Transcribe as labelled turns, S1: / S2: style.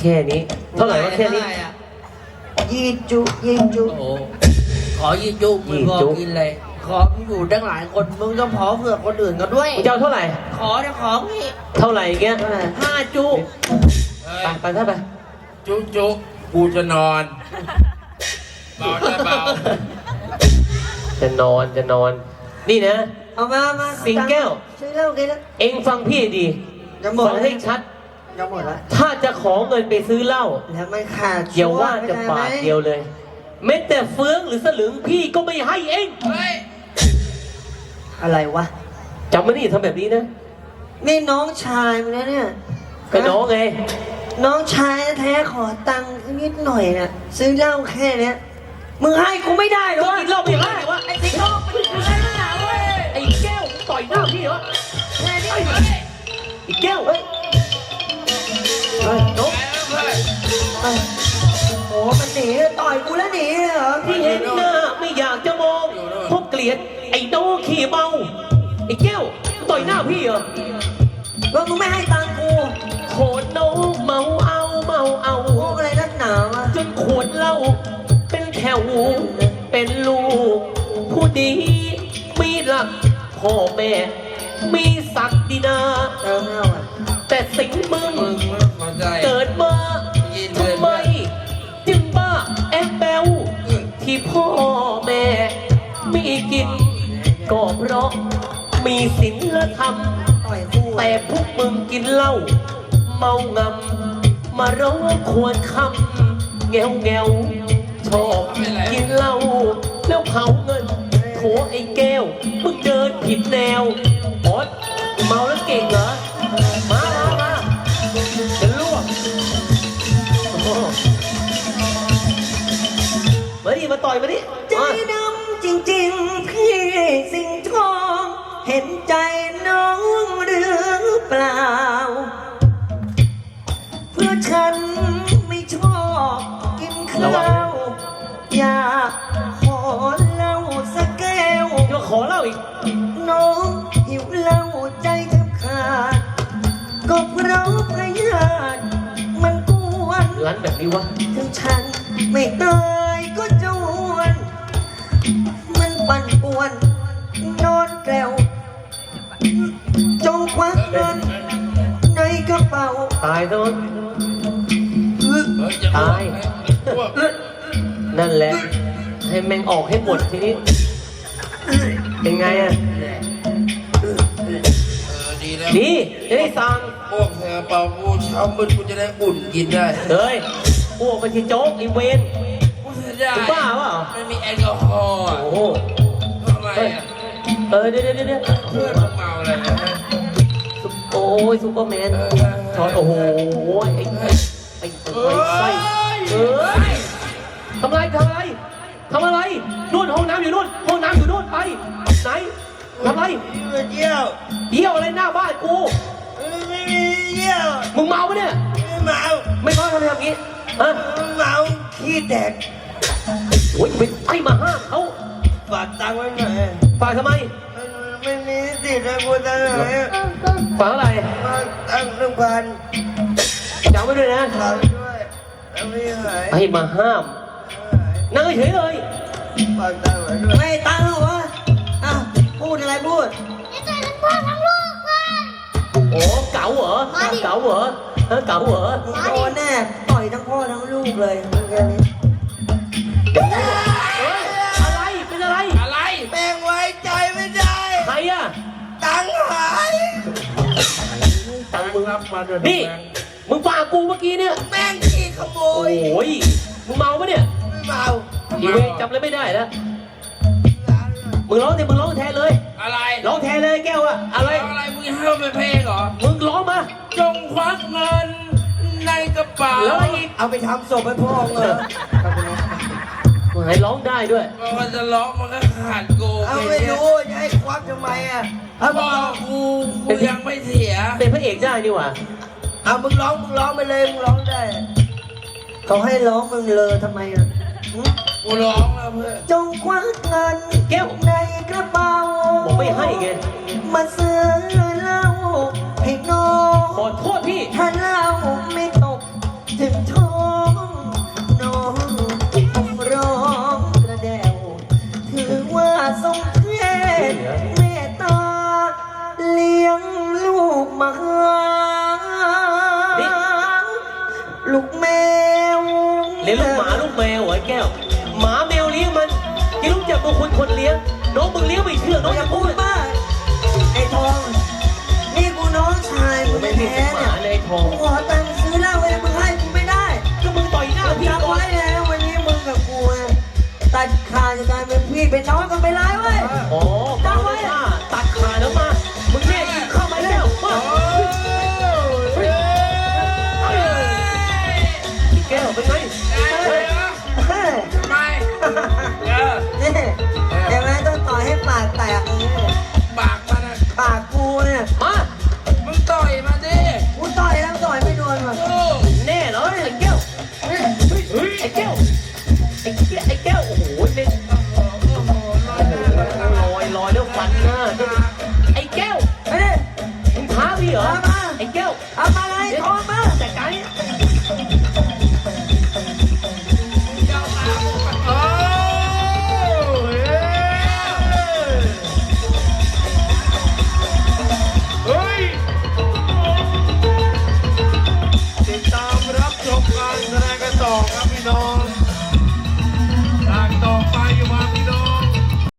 S1: แค่นี้เท่าไหร่วะแค่นี้
S2: ยี่จุยี่จุ
S3: โอ้โหขอยี่จุมึงพอกินเลยขอมึงอยู่ตั้งหลายคนมึงต้องขอเผื่อคนอื่นกันด้วย
S1: มึงจะเอาเท่าไหร่
S3: ขอจะขอพี่
S1: เท่าไหร่เงี้ย
S3: 5 จุ
S1: ไปถ้าไป
S4: จุกูจะนอนเบาได้เบา
S1: จะนอนนี่นะ
S2: เอามา
S1: สิงแก้ว
S2: ซื้อเหล้ากินแล้ว
S1: เอ็งฟังพี่ดี
S2: จะหมด
S1: ฟังให้ชัด
S2: จะหมดแล้ว
S1: ถ้าจะขอเงินไปซื้อเหล้า
S2: แล้วมันขาด
S1: อย่าว่าจะบาทเดียวเลยแม้แต่เฟืองหรือสลึงพี่ก็ไม่ให้เอง
S4: เฮ้ย
S2: อะไรวะ
S1: จำไม่ได้ทำแบบนี้นะ
S2: นี่น้องชายมึงนะเนี่ย
S1: ก็น้องไง
S2: น้องชายแท้ขอตังค์นิดหน่อยนะซื้อเหล้าแค่เนี้ยมึงให้กูไม่ได้หรอ
S1: ก็
S2: วะ
S1: กินเหล้าไม่ได้วะ
S2: ไอ้สิงโตมันคืออะไรนักหนาเว้ย
S1: ไอ้แก้วต่อยหน้าพี่เหรอ
S2: แค่นี้
S1: ไอ้แก้วเฮ้ยนก
S2: โอ้มันหนีต่อยกูแล้วหนีเหรอ
S1: ที่เห็นหน้าไม่อยากจะมองเพราะเกลียดไอ้โน้ขี่เมาไอ้แก้วต่อยหน้าพี่เหรอ
S2: ว่ามึงไม่ให้ตังค์กู
S1: โขนโน้เมาเอา
S2: พวกอะไรนักหนาวะ
S1: จนขวดเหล้าเป็นแถวเป็นลูกผู้ดีมีหลักพ่อแม่มีศักดินา
S2: เติมเหล้าอ่ะ
S1: แต่สิ่งมึง
S4: มึงไม่พอใจ
S1: เกิดมาทำไมจึงบ้าแอบแบวที่พ่อแม่มีกินก็เพราะมีศีลธรรม
S2: ต่อยคู่
S1: แต่พวกมึงกินเหล้าเมางำมาร้องควรคำแงวชอบกินเหล้าแล้วเผาเงินโถไอ้แก้วมึงเดินผิดแนวบอสเมาแล้วเก่งเหรอมาจะลวกโอ้โหมาดิมาต่อยมาดิ
S2: ใจดำจริงๆพี่สิงห์ทองเห็นใจน้องหรือเปล่า เพื่อฉันไม่ชอบกินข้าวอยากขอเหล้าสักแก้ว
S1: จะขอเหล้าอีก
S2: น้องหิวเหล้าใจแทบขาดก็เพราะพยาธิมันกวน
S1: ร้านแบบนี้วะ
S2: ถึงฉันไม่ตายก็จวนมันปั่นป่วนนอนแกลวจงควักเงินในกระเป๋า
S1: ตายซะมั้ง
S4: เฮ้ยจะ
S1: ตาย
S4: พวก
S1: นั่นแหละ ให้แม่งออกให้หมดทีนี้ เป็นไงอ่ะ
S4: ดีแล้ว
S1: ดีจะได้สั่ง
S4: พวกเธอเป่ากูเช้ามืดกูจะได้อุ่นกินได้
S1: เฮ้ยพวกไปที่โจ๊กไอีเวน
S4: กูเสียดาย
S1: จะบ้าเปล่า
S4: ไม่มีแอลกอฮอล์อะ
S1: โอ้โห
S4: ทำไมอ่ะ
S1: เดี๋ยว
S4: เพื่อนมึงเมาอะไรนะ
S1: โอ้ยซูเปอร์แมนช็อตโอ้โหไอ้ไส้เอ้ยทำอะไรนู่นห้องน้ำอยู่นู่นห้องน้ำอยู่นู่นไปไหนทำอะไร
S2: เยี่ยว
S1: เยี่ยวอะไรหน้าบ้านกู
S2: ไม่มีเยี่ยว
S1: มึงเมาปะเนี่ย
S2: ไม่เมา
S1: ไม่เมาทำไมทำอย่างนี้ฮะ
S2: เมาขี้แตก
S1: โอ้ยไปให้มาห้ามเขา
S2: ฝากตังค์ไว้หน่อย
S1: ฝากทำไม
S2: ไม่มีสิทธิ์นะกูตังค์ไหน
S1: ฝากเท่าไหร่
S2: มาตังค์1,000
S1: จำไว้ด้วยนะ
S2: ฝากด้วยแล้วไม่หาย
S1: ให้มาห้ามนั่งเฉยเลย
S2: ฝากตังค์ไว้ด้วยไม่ตังค์เหรอวะอ้าวพูดอะไรพูด
S1: โอ้เก๋าเหรอเก๋าเหรอฮะเก๋าเหรอ
S2: โดนแน่ต่อยทั้งพ่อทั้งลูกเลยแค่นี้
S1: เฮ้ยอะไรเป็นอะไร
S4: อะไร
S2: แม่งไว้ใจไม่ได้
S1: ใครอะ
S2: ตังค์หาย
S1: ตังค์มึง
S4: รับมาด้วย
S1: นี่มึงฝากกูเมื่อกี้เนี่ย
S2: แม่งขี้ขโม
S1: โอ้
S2: ย
S1: ยมึงเมาปะเนี่ย
S2: ไม่เมา
S1: อีเวจำอะไรไม่ได้แล้วมึงร้องสิมึงร้องแทนเลย
S4: อะไร
S1: ร้องแทนเลยแก้วอะอะไร
S4: อะไรมึงห้ามเป็นเพลงเหรอ
S1: มึงร้องมา
S4: จงควักเงินในกระเป๋า
S1: แล้วอะไรอีก
S2: เอาไปทำศพให้พ่อเงย
S1: มึงให้ร้องได้ด้วย
S4: มันจะร้องมันก็ขาดกู
S2: เอาไม่รู้จะให้ควักทำไมอ่ะเอามึ
S4: พ่
S2: ง
S4: อ
S2: ร้อง
S4: กูยังไม่เสีย
S1: เป็นพระเอกได้นี่หว่า
S2: เอามึงร้องไปเลยมึงร้องได้เขาให้ร้องมึงเลยทำไมอ่ะหึ
S4: กูร้องแล้วเพื่อน
S2: จงควักเงิน
S1: แก้ว
S2: ในกระเป๋า
S1: บอกไม่ให้ไง
S2: มาซื้อเหล้าให้น้อง
S1: ขอโทษพี่
S2: ถ้าเหล้าไม่ตกถึงลูกแมว
S1: เลี้ยงลูกหมาลูกแมวเหรอไอ้แก้ว หมาแมวเลี้ยงมันยังรู้จักบุคคลคนเลี้ยง น้องมึงเลี้ยงไม่เชื่อน้องอย่
S2: อา
S1: ย่า
S2: พู
S1: พู
S2: ด
S1: ด
S2: บ้าไอ้ทองนี่กูน้องชายมึง
S1: ไม่
S2: แท้
S1: ผิดห
S2: เนี่
S1: มาย เลยทอง
S2: กูขอตังค์ซื้อเหล้าไว้มึงให้กูไม่ได้
S1: ก็มึงต่อยหน้าพี่
S2: จำ
S1: ก่อน
S2: ไว้แล้ววันนี้มึงกับกูอะตัดขาดจากการเป็นพี่เป็นน้องกันไปเลยเว้ย
S1: อ๋อฟังไว้ว่าตัดขาแล้วมา มึงเนี่ยเข้ามาแล้วมาพี่แก้วเป็นไง
S2: เฮ้ย
S4: ทำไมเออ
S2: นี่เดี๋ยวแม่ต้องต่อยให้ปากแตกอย่างนี้
S4: ปากมันอะ
S2: ปากกูเนี่ย
S1: มา
S4: มึงต่อยมาดิ
S2: กูต่อยแล้วต่อยไม่โดนว่ะ
S4: โอ้
S1: แน่เหรอไอ้แก้วเฮ้ยไอ้แก้วไอ้แก้วโอ้โหเล่นลอยแล้วฟันหน้าไอ้แก้ว
S2: ไปดิ
S1: มึงท้าพี่เหรอ
S2: ท้ามา
S1: ไอ้แก้ว
S2: เอามา